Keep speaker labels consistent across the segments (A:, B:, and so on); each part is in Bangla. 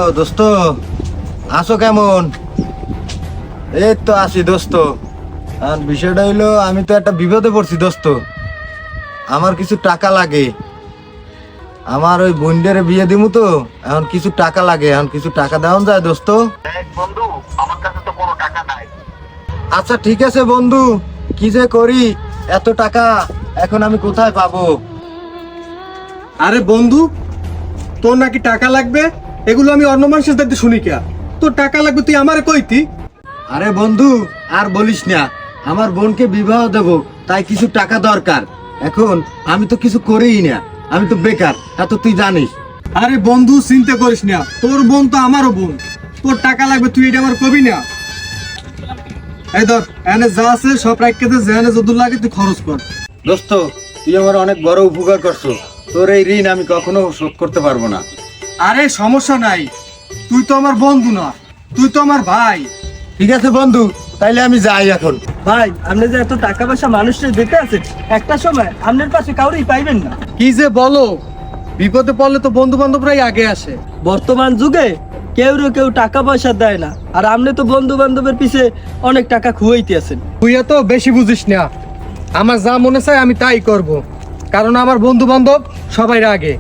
A: দোস্ত, আছো কেমন? এই তো আছি দোস্ত। আর বিষয়টা হইলো, আমি তো একটা বিপদে পড়ছি দোস্ত। আমার কিছু টাকা লাগে। আমার ওই বোনদের বিয়ে দিমু তো, এখন কিছু টাকা লাগে। এখন কিছু টাকা দেওয়া যায় দোস্ত?
B: বন্ধু, আমার কাছে তো কোনো টাকা নাই।
A: আচ্ছা ঠিক আছে বন্ধু, কি যে করি, এত টাকা এখন আমি কোথায় পাবো?
C: আরে বন্ধু, তোর নাকি টাকা লাগবে? এগুলো আমি অন্য মানুষের দেখতে শুনি কে? তোর টাকা লাগবে তুই আমারে কইতি?
A: আরে বন্ধু, আর বলিস না, আমার বোনকে বিবাহ দেব, তাই কিছু টাকা দরকার। এখন আমি তো কিছু করিই না, আমি তো বেকার, এত তুই জানিস।
C: আরে বন্ধু, চিন্তা করিস না, তোর বোন তো আমারও বোন। তোর টাকা লাগবে তুই এটা আমার কবি না। এই ধর, এনে যা আছে সব রাখতে দে, যেখানে যত লাগে তুই খরচ কর।
A: দোস্ত, তুই আমার অনেক বড় উপকার করছো। তোর এই ঋণ আমি কখনো শোধ করতে পারবো না।
C: আরে সমস্যা নাই, তুই তো আমার বন্ধু না, তুই তো আমার ভাই।
A: ঠিক আছে বন্ধু, তাইলে আমি যাই এখন।
D: ভাই, আপনি যে এত টাকা পয়সা মানুষের দিতে আছেন, একটা সময় আপনার পাশে কাউরেই পাইবেন না।
C: কি যে বলো, বিপদে পড়লে তো বন্ধু বান্ধবরাই আগে আসে।
D: বর্তমান যুগে কেউ টাকা পয়সা দেয় না, আর আপনি তো বন্ধু বান্ধবের পিছে অনেক টাকা খুয়াইতে আছেন।
C: তুই এত বেশি বুঝিস না, আমার যা মনে চায় আমি তাই করব, কারণ আমার বন্ধু বান্ধব সবাই আগে।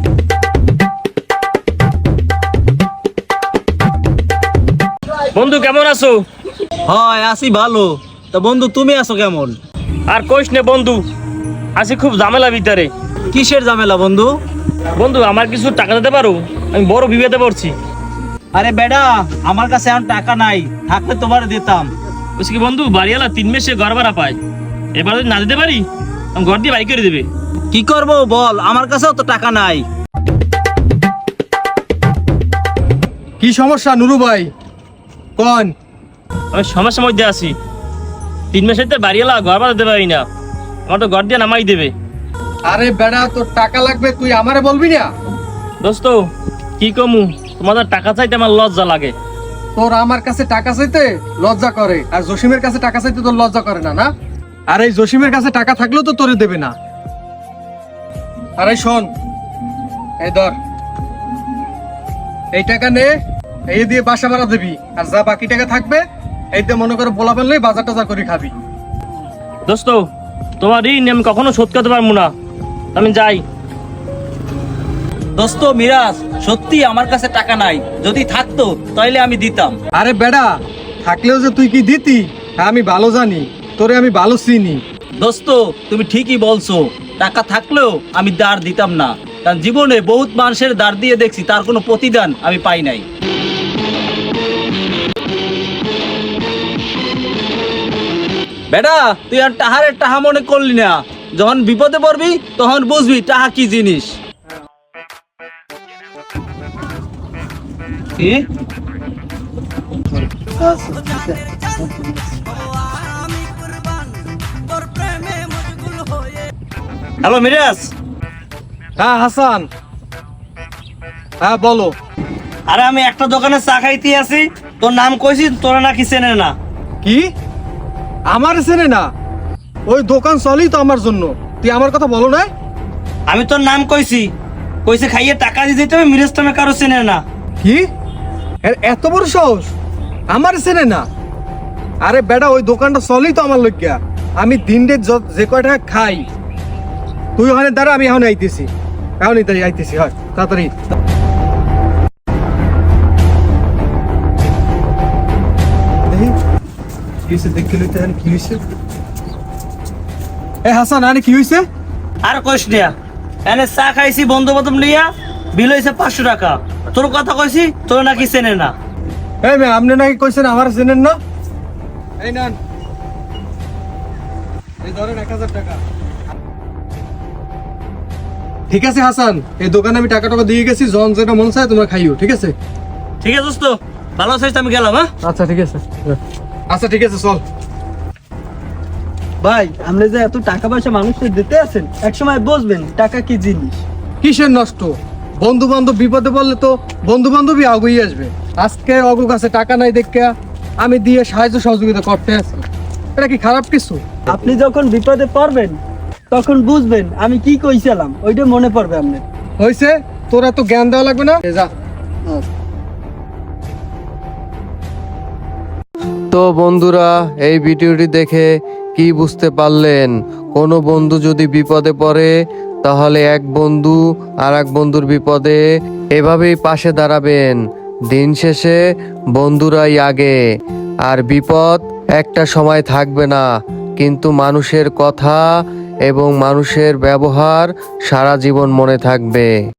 E: বন্ধু কেমন আছো?
D: হয়, আছি ভালো। তা বন্ধু, তুমি আছো কেমন?
E: আর কইস নে বন্ধু, আছি খুব ঝামেলা ভিতরে।
D: কিসের ঝামেলা বন্ধু?
E: বন্ধু, আমার কিছু টাকা দিতে পারো? আমি বড় বিপদে পড়ছি।
D: আরে বেডা, আমার কাছে এখন টাকা নাই, থাকলে তোমার দিতাম।
E: বলছি কি বন্ধু, বাড়িওয়ালা 3 মাসে ঘর ভাড়া পায়, এবার যদি না দিতে পারি আমি ঘর দিয়ে বাড়ি করে দেবে।
D: কি করব বল, আমার কাছেও তো টাকা নাই।
C: কি সমস্যা নুরু ভাই, কোন?
E: আমি সমস্যার মধ্যে আছি। 3 মাসের তো বাড়িওয়ালা ঘর ভাড়া দিতে পারি না, আমার তো ঘর দিয়ে নামাই দেবে।
C: আরে বেড়া, তোর টাকা লাগবে তুই আমারে বলবি না?
E: দোস্ত কি কমু, তোমাদের টাকা চাইতে আমার লজ্জা লাগে।
C: তোর আমার কাছে টাকা চাইতে লজ্জা করে, আর জসিমের কাছে টাকা চাইতে তোর লজ্জা করে না? না, আর এই জসিমের কাছে টাকা থাকলেও তো তোরে দেবে না। আরে শোন, এই ধর, এই টাকা নে, এই দিয়ে বাসা ভাড়া দিবি, আর যা বাকি টাকা থাকবে এই দিয়ে মনে করে বলা ফেললেই বাজার টাজার করে খাবি।
E: দোস্ত, তোমার ঋণ আমি কখনো শোধ করতে পারবো না, আমি যাই।
D: দোস্ত মিরাজ, সত্যি আমার কাছে টাকা নাই, যদি থাকতো তাইলে আমি দিতাম।
C: আরে বেড়া, থাকলেও যে তুই কি দিতি তা আমি ভালো জানি, তোরে আমি ভালো চিনি।
D: দোস্ত, তুমি ঠিকই বলছো, টাকা থাকলেও আমি দাঁড় দিতাম না, কারণ জীবনে বহুত মানুষের দাঁড় দিয়ে দেখছি, তার কোনো প্রতিদান আমি পাই নাই। বেটা, তুই আর টাহারের টাহা মনে করলি না, যখন বিপদে পড়বি তখন বুঝবি টাহা কি জিনিস। কি?
E: হ্যালো মিরাজ।
C: হ্যাঁ হাসান, হ্যাঁ বলো।
E: আরে আমি একটা দোকানে চা খাইতে আছি, তোর নাম কইছি, তোরা নাকি চেনে না।
C: কি? আমার চেনে না? ওই দোকান চলেই তো আমার জন্য, তুই আমার কথা বলো না?
E: আমি তোর নাম কইছি, কইছে খাইয়ে টাকা দিয়ে দিতে হবে, মিরাজ তুমি কারো চেনে না।
C: কি? এত বড় সাহস, আমার চেনে না? আরে বেটা, ওই দোকানটা চলেই তো আমার লজ্ঞা, আমি দিন রে যে কয়টা খাই। তুই ওখানে দাঁড়া, আমি এখন আইতেছি, এখনই তাই আইতেছি, হয় তাড়াতাড়ি। এ হাসান, আরে কি হয়েছে?
E: আর কইস না, এনে চা খাইছি বন্ধু বান্ধব নিয়া, বিল হয়েছে 500 টাকা। তোর কথা কইছি, তোর নাকি চেনে না।
C: এই মেয়ে, আপনি নাকি কইছেন আমার চেনেন না? এই নেন, এই ধরেন 1000 টাকা। ঠিক আছে হাসান, এই দোকানে আমি টাকা দিয়ে গেছি, জন যেটা মন চায় তোমরা খাইও, ঠিক আছে?
E: ঠিক আছে দোস্ত, ভালো আছিস, আমি গেলাম। হ্যাঁ
C: আচ্ছা ঠিক আছে, আচ্ছা ঠিক আছে, চল।
D: ভাই, আপনি যে এত টাকা পয়সা মানুষের দিতে আছেন, এক সময় বুঝবেন টাকা কি জিনিস।
C: কিসের নষ্ট? বন্ধু বান্ধব বিপদে পড়লে তো বন্ধু বান্ধবই আগেই আসবে। আজকে অগু কাছে টাকা নাই দেখে আমি দিয়ে সাহায্য সহযোগিতা করতে আছি, এটা কি খারাপ কিছু?
D: আপনি যখন বিপদে পড়বেন তখন বুঝবেন আমি কি কইছিলাম, ওইটা মনে পড়বে আপনার।
C: হয়েছে, তোরা তো জ্ঞান দেওয়া লাগবে না, যা।
F: তো বন্ধুরা, এই ভিডিওটি দেখে কি বুঝতে পারলেন? কোনো বন্ধু যদি বিপদে পড়ে তাহলে এক বন্ধু আর এক বন্ধুর বিপদে এভাবেই পাশে দাঁড়াবেন। দিন শেষে বন্ধুরাই আগে, আর বিপদ একটা সময় থাকবে না, কিন্তু মানুষের কথা এবং মানুষের ব্যবহার সারা জীবন মনে থাকবে।